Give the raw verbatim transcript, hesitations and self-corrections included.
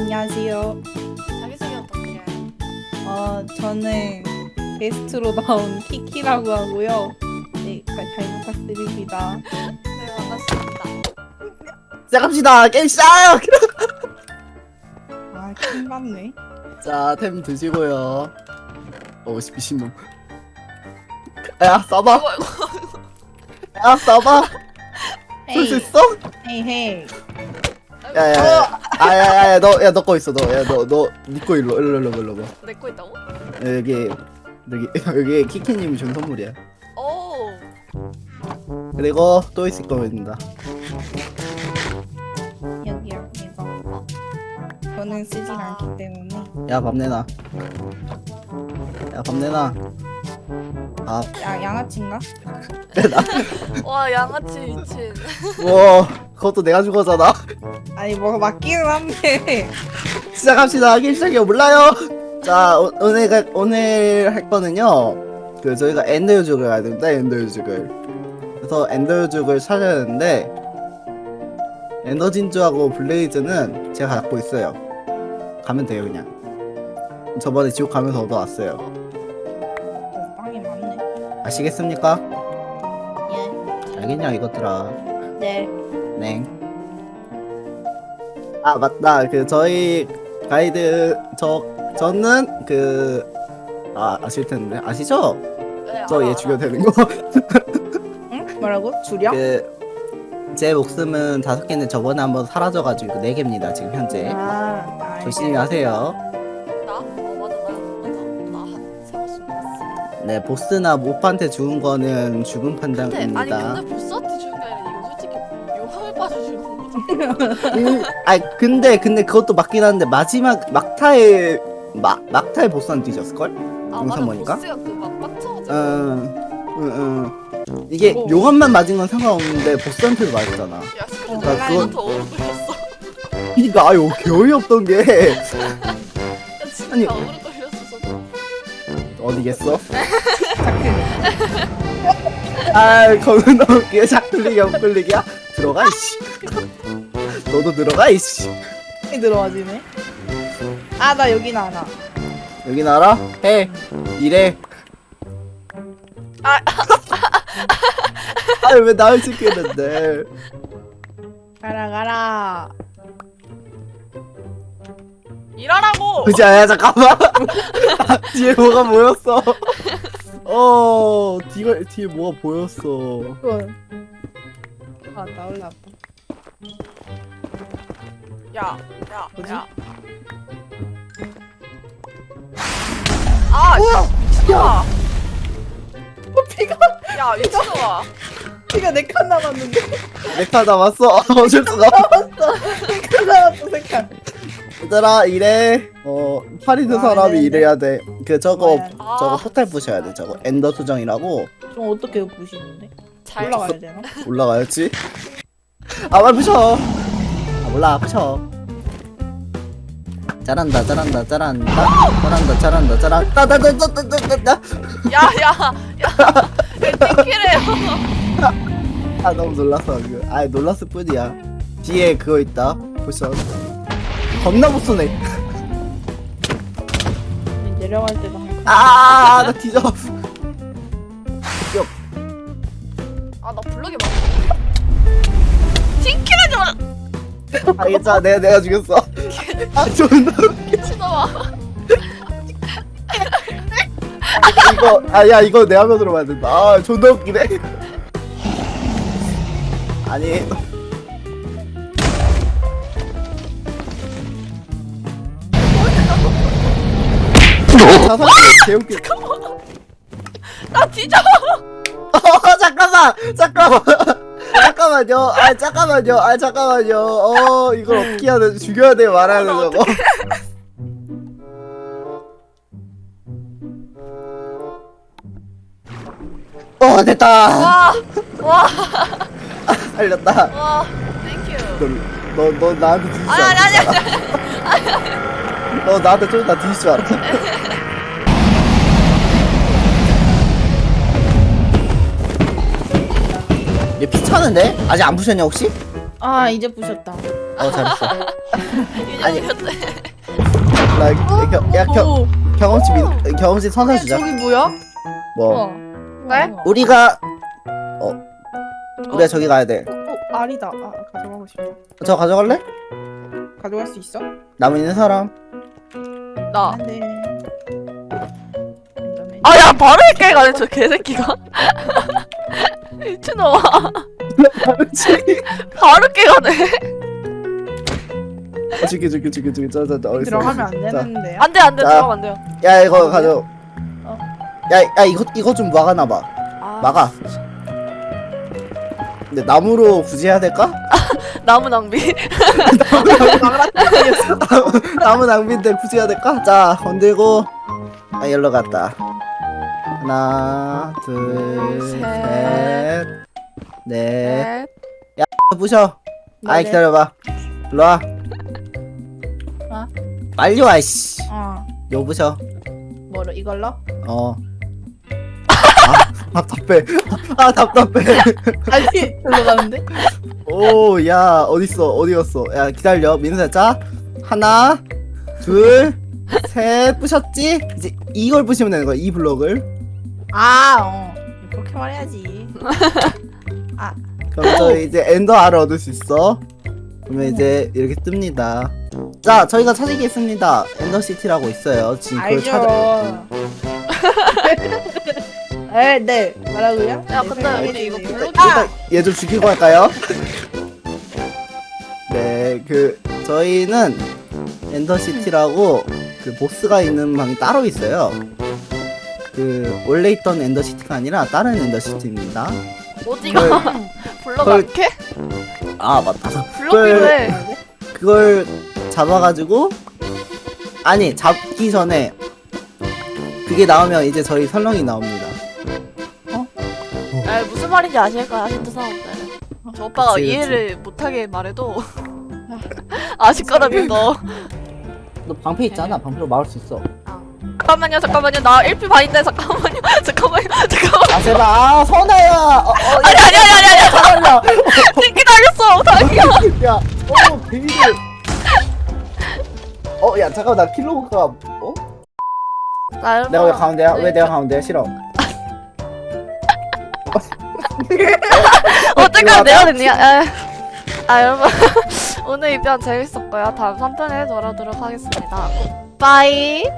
안녕하세요. 자기소개 부탁드려요. 어, 저는 게스트로 나온 키키라고 하고요. 네, 잘, 잘 부탁드립니다. 네, 반갑습니다. 시작합시다. 게임 시작. 아, 킹 받네. 자, 템 드시고요. 어, 미친놈. 야, 써봐. 이거 이거 야, 써봐. 쓸 수 헤이, 있어? 헤이, 헤이. 야, 야, 야. 아, 야, 야, 야, 너, 야, 너 거 있어. 너, 야, 너, 너, 니거 일로, 일로, 일로, 일로, 일로. 내거 있다고? 야, 여기, 여기, 여기 키키님이 준 선물이야. 오. 그리고 또 있을 겁니다. 여기요, 이거. 어. 저는 쓰진 않기 때문에. 야, 밥 내놔. 야, 밥 내놔. 밥. 야, 양아치인가? 와, 양아치 미친. 우와, 그것도 내가 준 거잖아. 아니, 뭐가 맞기는 한데. 시작합시다. 게임 시작이요. 몰라요. 자, 오, 오늘 가, 오늘 할 거는요. 그 저희가 엔더유족을 가야 됩니다. 엔더유족을. 그래서 엔더유족을 찾아야 되는데 엔더진주하고 블레이즈는 제가 갖고 있어요. 가면 돼요, 그냥. 저번에 지옥 가면서 얻어왔어요. 어, 빵이 많네. 아시겠습니까? 예. 알겠냐, 이것들아. 네. 네. 아, 맞다. 그 저희 가이드 저 저는 그 아, 아실 텐데. 아시죠? 네, 저 알아, 얘 알아. 죽여도 되는 거. 응? 뭐라고? 주령? 그 제 목숨은 다섯 개인데 저번에 한번 사라져가지고 네 개입니다 지금 현재. 아, 아, 조심히 하세요. 나? 어, 맞아. 나, 나, 나 세번 쏜 네, 보스나 모프한테 죽은 거는 죽음 근데, 아니, 판단입니다. 근데 보스한테 주는 게 아니라 이거 솔직히 용암에 빠져주는 거잖아. 음, 아 근데 근데 그것도 맞긴 한데 마지막 막타에 막 막타에 보스한테 뒤졌을 걸? 아, 맞아. 영상 보니까? 보스가 그막 빡쳐가지고. 응, 응, 응. 이게 어. 용암만 맞은 건 상관없는데 보스한테도 맞았잖아. 야, 스크린 어, 내가 그건- 더 오글거렸어. 그니까 아유 개어이 없던 게 야, 진짜 아니. 오글거렸어, 저거. 어디겠어? 아 거기 넘게 작들리기 엇글리기야? 들어가 이씨. 너도 들어가 이씨. 들어와지네. 아, 나 여기 나나. 여기 나라 해 이래. 아. 아왜 나를 지키는데? 가라, 가라. 일하라고! 그지 아야 잠깐만. 아, 뒤에 뭐가 보였어. 어 뒤가 뒤에 뭐가 보였어. 그건. 아, 나 올라왔다. 야, 야, 뭐지? 야. 아, 씨, 미친놈아. 피가, 야, 미친놈아. 피가 네 칸 남았는데. 내카 남았어. 어쩔 수가. 남았어. 네 칸 남았어, 세 칸. 얘들아 이래. 어 팔 있는 와, 사람이 네네. 이래야 돼. 그 저거 뭐야. 저거 아. 포탈 부셔야 돼. 저거 엔더 수정이라고. 좀 어떻게 부시는데? 잘 올라가야 되나? 올라가야지. 아, 빨리 부셔. 아, 몰라, 부셔. 잘한다, 잘한다, 잘한다. 잘한다, 잘한다, 잘한다. 따다다다다다다. 야, 야, 야. 띵키래요. 아, 너무 놀랐어, 지금. 아, 놀랐을 뿐이야. 뒤에 그거 있다. 부셔. 겁나 못 쏘네. 내려갈 때도 한 칸. 아, 나 뒤져. 아, 나 블럭이 막. 띵키라지 마. 아, 괜찮아. 내가, 내가 죽였어. 아, 존나. 미친놈아. 이거, 아, 야, 이거 내 화면으로 봐야 된다. 아, 존나 웃기네. 아니. 자살이 개웃기. 나 뒤져. 어, 잠깐만, 잠깐만, 잠깐만요. 아, 잠깐만요. 아, 잠깐만요. 어, 이걸 어떻게 해야 돼? 죽여야 돼, 말아야 돼, 저거. 어, 됐다. 와, 와, 살렸다. 와. 땡큐. 너, 너, 너 나한테 뒤질 줄 아니, 알았어. 아니, 아니, 아니. 너 나한테 좀 다 뒤질 줄 알았어. 얘 피차는데? 아직 안 부셨냐 혹시? 아 이제 부셨다. 어 잘했어. 아니. 이제 보셨대. 나 겨, 야 겨, 오, 경험치 민, 경험치 선사 어, 주자. 저기 뭐야? 뭐 우와. 네? 우와. 우리가 어 우리가 저기 가야 돼. 어, 어, 알이다. 아 가져가고 싶다. 저 가져갈래? 가져갈 수 있어? 남은 있는 사람. 나. 안돼. 안전해. 아, 야, 바로 이렇게 가네, 저 개새끼가. 미친놈아. 그렇지. 바로 깨가네. 죽여 죽여 죽여 죽여 저저 어디 있어? 들어가면 안 자, 되는데요? 안 돼, 안 돼, 자. 들어가면 안 돼요. 야 이거 가져. 어. 야야 이거 이거 좀 막아놔봐. 아, 막아. 근데 나무로 굳이 해야 될까? 나무 낭비. 나무 낭비인데 굳이 해야 될까? 자 건들고 아 열로 갔다. 하나 셋. 둘셋넷 넷. 부셔. 아이 네네. 기다려봐. 일로 와. 어? 빨리 와 이씨. 어. 요 부셔. 뭐로 이걸로? 어. 아 답답해. 아 답답해. 아니 들어가는데? 오, 야, 어딨어? 어디 갔어? 야, 기다려. 민수야, 자. 하나, 둘, 셋, 부셨지? 이제 이걸 부시면 되는 거야, 이 블럭을. 아 어. 그렇게 말해야지. 그럼 저희 이제 엔더 알을 얻을 수 있어. 그러면 이제 이렇게 뜹니다. 자, 저희가 찾은 게 있습니다. 엔더 시티라고 있어요. 지금 그걸 알죠. 찾아. 에, 네. 말하고요? 야, 네, 근데 생각이 우리 이거 드네요. 블록이- 일단 얘 좀 죽이고 할까요? 네, 그 저희는 엔더 시티라고 그 보스가 있는 방이 따로 있어요. 그 원래 있던 엔더 시티가 아니라 다른 엔더 시티입니다. 어디가? 블럭 그걸- 안 캐? 아 맞다. 블럭 그걸- 필요해. 그걸 잡아가지고 아니 잡기 전에 그게 나오면 이제 저희 설렁이 나옵니다. 에, 무슨 말인지 아실 거야, 힌트 사원들. 저 오빠가 그치, 그치. 이해를 못하게 말해도 아실 거라 믿어. 너 방패 있잖아. 방패로 막을 수 있어. 잠깐만요, 잠깐만요. 나 일 피 반인데 잠깐만요. 잠깐만요. 잠깐만. 아 제발. 아 선아야. 어, 어, 아니, 아니, 아니, 아니, 아니. 잠깐만. 기다렸어. 다행이야. 야, 어 베이비. 어, 야 잠깐 나 킬로가 어? 나 내가 왜 가운데야? 왜 내가 가운데야? 싫어. 어쨌건 내가 됐냐? 에. 아 여러분 오늘 이 편 재밌었고요. 다음 삼 편에 돌아오도록 하겠습니다. 빠이.